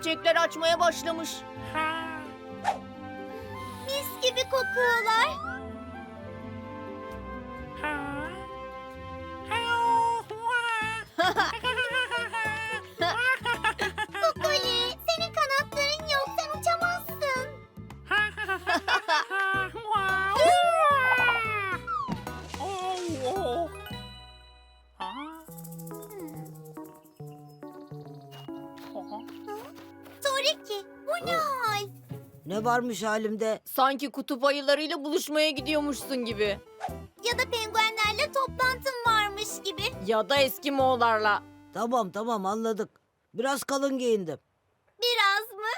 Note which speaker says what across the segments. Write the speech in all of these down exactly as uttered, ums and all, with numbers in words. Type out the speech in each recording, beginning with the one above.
Speaker 1: çiçekler açmaya başlamış.
Speaker 2: Mis gibi kokuyorlar. Kukuli, senin kanatların yok, sen uçamazsın. Toriki, bu ne hal?
Speaker 3: Ne varmış halimde?
Speaker 1: Sanki kutup ayılarıyla buluşmaya gidiyormuşsun gibi.
Speaker 2: Ya da penguenlerle toplantın varmış gibi.
Speaker 1: Ya da Eskimoğullarla.
Speaker 3: Tamam tamam anladık. Biraz kalın giyindim.
Speaker 2: Biraz mı?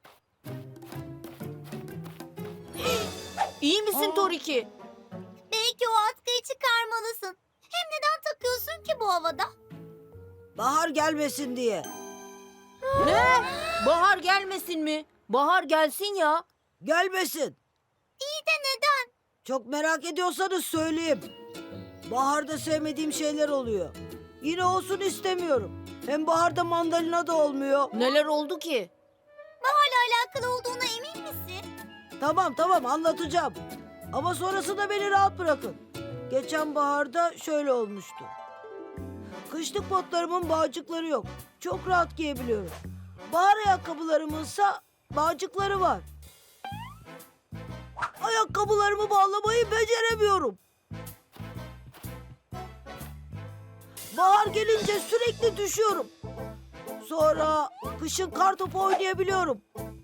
Speaker 1: İyi misin Toriki?
Speaker 2: Belki o atkıyı çıkarmalısın. Hem neden takıyorsun ki bu havada?
Speaker 3: Bahar gelmesin diye.
Speaker 1: Ne? Bahar gelmesin mi? Bahar gelsin ya.
Speaker 3: Gelmesin.
Speaker 2: İyi de neden?
Speaker 3: Çok merak ediyorsanız söyleyeyim. Baharda sevmediğim şeyler oluyor. Yine olsun istemiyorum. Hem baharda mandalina da olmuyor.
Speaker 1: Neler oldu ki?
Speaker 2: Baharla alakalı olduğuna emin misin?
Speaker 3: Tamam tamam anlatacağım. Ama sonrasında beni rahat bırakın. Geçen baharda şöyle olmuştu. Kışlık botlarımın bağcıkları yok. Çok rahat giyebiliyorum. Bahar ayakkabılarımınsa bağcıkları var. Ayakkabılarımı bağlamayı beceremiyorum. Bahar gelince sürekli düşüyorum. Sonra kışın kartopu oynayabiliyorum.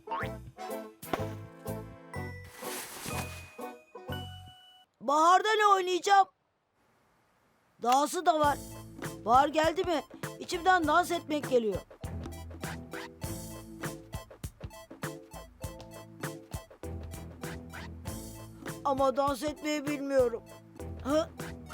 Speaker 3: Baharda ne oynayacağım? Dahası da var. Bahar geldi mi içimden dans etmek geliyor. Ama dans etmeyi bilmiyorum. Hı?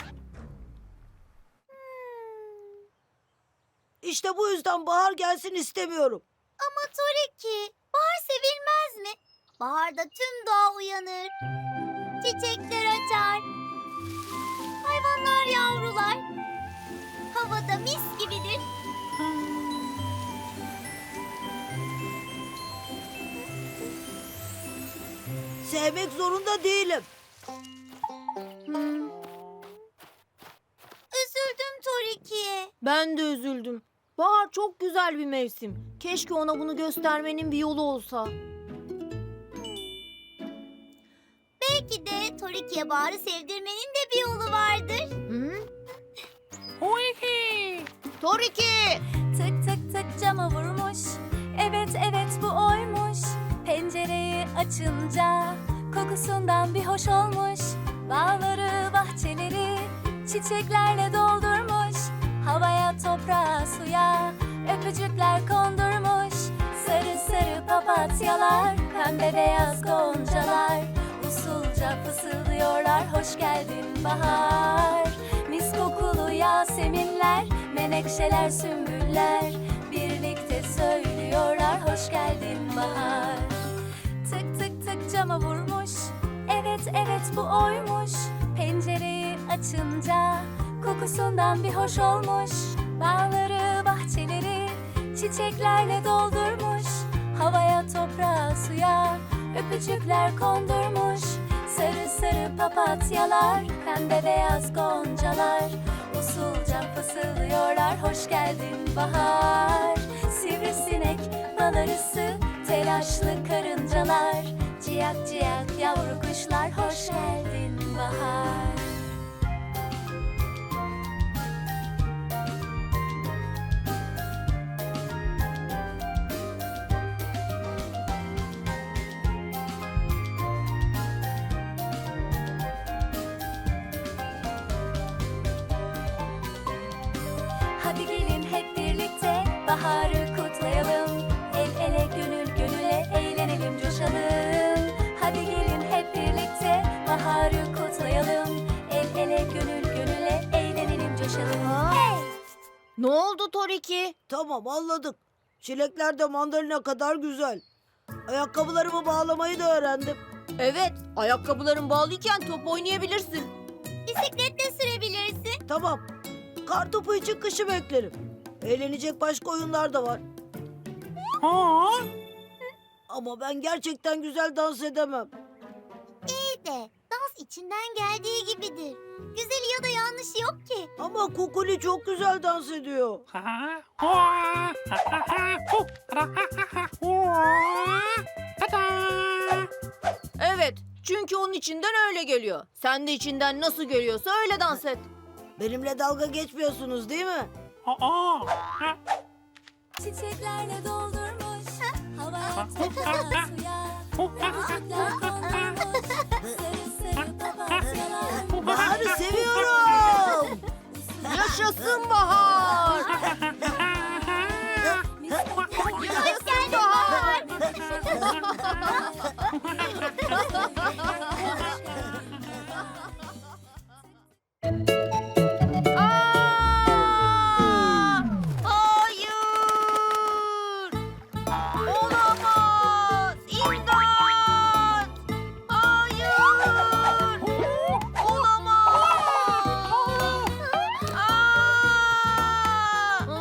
Speaker 3: İşte bu yüzden bahar gelsin istemiyorum.
Speaker 2: Ama Toriki, bahar sevilmez mi? Baharda tüm doğa uyanır. Çiçekler açar. Hayvanlar yavrular. Havada mis gibidir.
Speaker 3: Sevmek zorunda değilim.
Speaker 2: Üzüldüm Toriki'ye.
Speaker 1: Ben de üzüldüm. Bahar çok güzel bir mevsim. Keşke ona bunu göstermenin bir yolu olsa.
Speaker 2: Belki de Toriki'ye baharı sevdirmenin de bir yolu vardır.
Speaker 1: Hı? Toriki!
Speaker 4: Tık tık tık cama vurmuş. Evet evet bu oymuş. Pencereyi açınca kokusundan bir hoş olmuş. Bağları bahçeleri çiçeklerle doldurmuş. Havaya toprağa suya öpücükler kondurmuş. Sarı sarı papatyalar, pembe beyaz goncalar usulca fısıldıyorlar hoş geldin bahar. Mis kokulu yaseminler, menekşeler, sümbüller birlikte söylüyorlar hoş geldin bahar. Tık tık tık cama vurmuş. Evet evet bu oymuş. Pencereyi açınca kokusundan bir hoş olmuş. Bağları bahçeleri çiçeklerle doldurmuş. Havaya toprağa suya öpücükler kondurmuş. Sarı sarı papatyalar, pembe beyaz goncalar usulca fısıldıyorlar hoş geldin bahar. Sivrisinek, bal arısı, telaşlı karıncalar ciyak ciyak yavru kuşlar hoş geldin bahar. Hadi gelin hep birlikte baharı kutlayalım. El ele gönül gönüle eğlenelim coşalım. Hadi gelin hep birlikte baharı kutlayalım. El ele gönül gönüle eğlenelim coşalım. Hey!
Speaker 1: Ne oldu Toriki?
Speaker 3: Tamam anladık. Çilekler de mandalina kadar güzel. Ayakkabılarımı bağlamayı da öğrendim.
Speaker 1: Evet, ayakkabıların bağlıyken top oynayabilirsin.
Speaker 2: Bisikletle sürebilirsin.
Speaker 3: Tamam. Kartopu için kışı beklerim. Eğlenecek başka oyunlar da var. Ama ben gerçekten güzel dans edemem.
Speaker 2: İyi de dans içinden geldiği gibidir. Güzeli ya da yanlışı yok ki.
Speaker 3: Ama Kukuli çok güzel dans ediyor.
Speaker 1: Evet, çünkü onun içinden öyle geliyor. Sen de içinden nasıl geliyorsa öyle dans et.
Speaker 3: Benimle dalga geçmiyorsunuz değil mi?
Speaker 4: Çiçeklerle doldurmuş hava toprağı suya ve müzikler konulmuş sarı sarı papatyalar.
Speaker 3: Bahar'ı seviyorum.
Speaker 1: Yaşasın bahar!
Speaker 2: Hoş geldin Bahar.
Speaker 1: Aa! Hayır! Olamaz! İmdat! Hayır! Olamaz! Aa!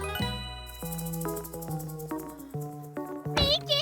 Speaker 2: Peki.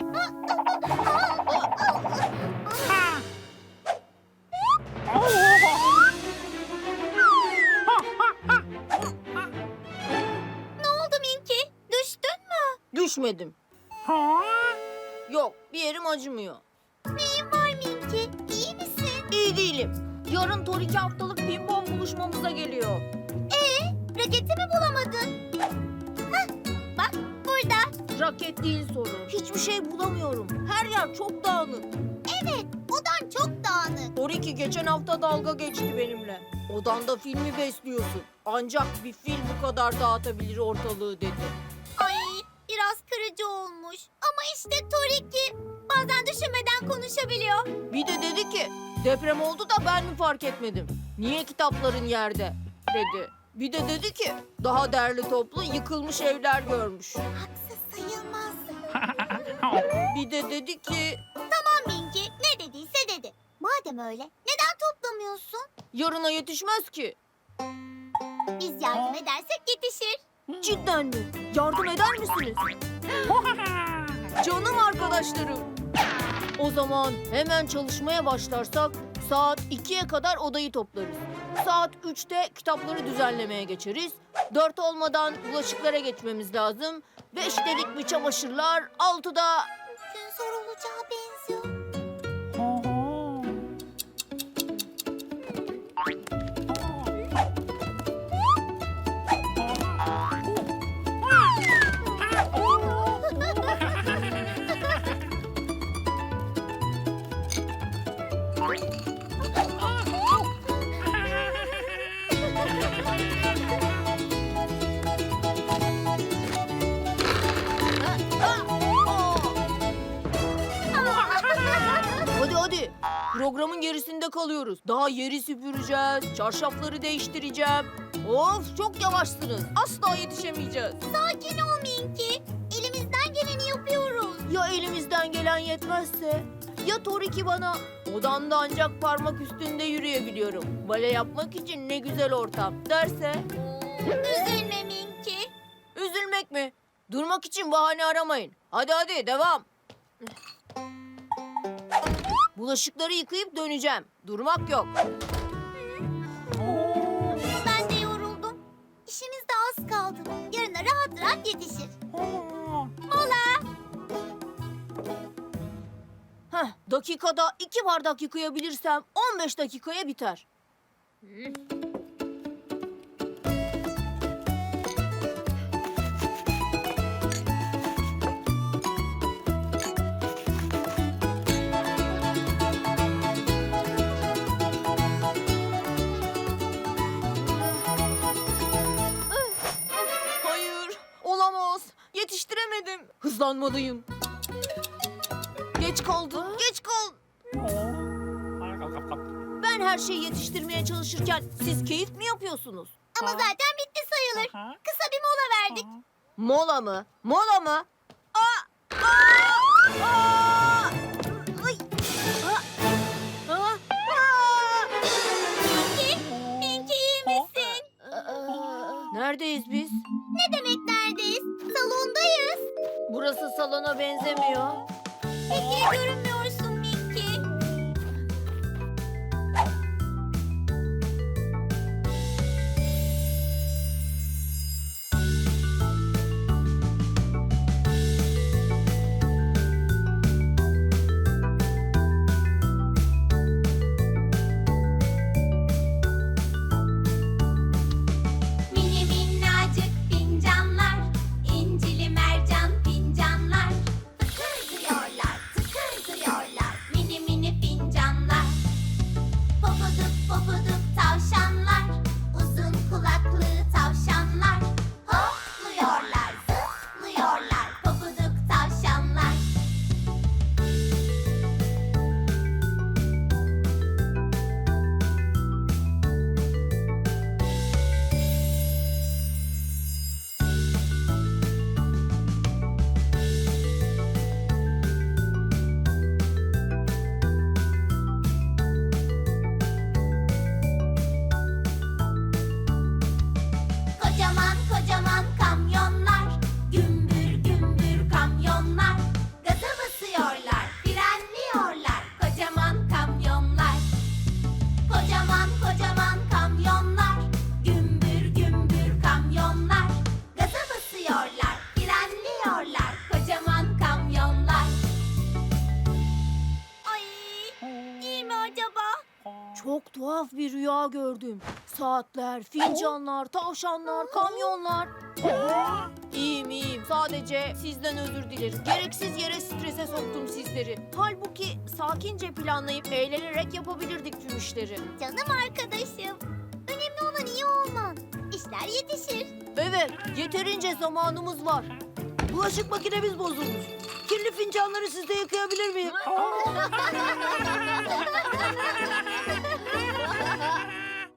Speaker 2: Ne oldu Minki? Düştün mü?
Speaker 1: Düşmedim. Yok, bir yerim acımıyor.
Speaker 2: Neyin var Minki? İyi misin?
Speaker 1: İyi değilim. Yarın Tor iki haftalık pimpon buluşmamıza geliyor.
Speaker 2: Ee, raketi mi bulamadın? Hah, bak burada.
Speaker 1: Raket değil sorun. Hiçbir şey bulamıyorum. Her yer çok dağınık.
Speaker 2: Evet, odan çok dağınık.
Speaker 1: Tor iki geçen hafta dalga geçti benimle. Odanda filmi besliyorsun. Ancak bir fil bu kadar dağıtabilir ortalığı dedi.
Speaker 2: Ay, biraz kırıcı olmuş. Ama işte Toriki bazen düşünmeden konuşabiliyor.
Speaker 1: Bir de dedi ki deprem oldu da ben mi fark etmedim? Niye kitapların yerde dedi. Bir de dedi ki daha derli toplu yıkılmış evler görmüş.
Speaker 2: Haksız sayılmaz.
Speaker 1: Bir de dedi ki
Speaker 2: Tamam Minki, ne dediyse dedi. Madem öyle, neden toplamıyorsun?
Speaker 1: yarına yetişmez ki.
Speaker 2: Biz yardım edersek yetişir.
Speaker 1: Cidden mi? Yardım eder misiniz? Canım arkadaşlarım. O zaman hemen çalışmaya başlarsak saat ikiye kadar odayı toplarız. Saat üçte kitapları düzenlemeye geçeriz. Dört olmadan bulaşıklara geçmemiz lazım. Beşte dik bir çamaşırlar, altıda...
Speaker 2: Gün zor olacağı benziyor.
Speaker 1: Hadi hadi. Programın gerisinde kalıyoruz. Daha yeri süpüreceğiz, çarşafları değiştireceğim. Of çok yavaşsınız. Asla yetişemeyeceğiz.
Speaker 2: Sakin ol Minki. Elimizden geleni yapıyoruz.
Speaker 1: Ya elimizden gelen yetmezse? Ya Toriki bana odamda ancak parmak üstünde yürüyebiliyorum. Bale yapmak için ne güzel ortam derse?
Speaker 2: Üzülme Minki.
Speaker 1: Üzülmek mi? Durmak için bahane aramayın. Hadi hadi devam. Bulaşıkları yıkayıp döneceğim. Durmak yok.
Speaker 2: Ben de yoruldum. İşimiz de az kaldı. Yarına rahat rahat yetişir. Mola.
Speaker 1: Heh, dakikada iki bardak yıkayabilirsem on beş dakikaya biter. Hayır, olamaz. Yetiştiremedim. Hızlanmalıyım. Geç kaldım, geç kaldım. Ben her şeyi yetiştirmeye çalışırken siz keyif mi yapıyorsunuz?
Speaker 2: Ama zaten bitti sayılır. Kısa bir mola verdik.
Speaker 1: Mola mı? Mola mı? Aa! Aa! Aa! Ay! Aa! Aa! Aa!
Speaker 2: Minki, Minki iyi misin?
Speaker 1: Neredeyiz biz?
Speaker 2: Ne demek neredeyiz? Salondayız.
Speaker 1: Burası salona benzemiyor.
Speaker 2: Pek iyi görünmüyorsun Mickey.
Speaker 5: Mini minnacık fincanlar, incili mercan fincanlar. Tıkır diyorlar, tıkır diyorlar, mini mini fincanlar. Pofuduk pofuduk tavşanlar, uzun kulaklı tavşanlar. Hopluyorlar, zıplıyorlar, pofuduk tavşanlar. Kocaman kocaman kamyonlar, gümbür gümbür kamyonlar. Gaza basıyorlar, frenliyorlar, kocaman kamyonlar. Kocaman kocaman kamyonlar, gümbür gümbür kamyonlar. Gaza basıyorlar, frenliyorlar, kocaman kamyonlar.
Speaker 2: Ay, iyi mi acaba?
Speaker 1: Çok tuhaf bir rüya gördüm. Saatler, fincanlar, tavşanlar, kamyonlar. İyiyim iyiyim. Sadece sizden özür dilerim. Gereksiz yere strese soktum sizleri. Halbuki sakince planlayıp eğlenerek yapabilirdik tüm işleri.
Speaker 2: Canım arkadaşım. Önemli olan iyi olman. İşler yetişir.
Speaker 1: Evet, yeterince zamanımız var.
Speaker 3: Bulaşık makinemiz bozulmuş. Kirli fincanları sizde yıkayabilir miyim?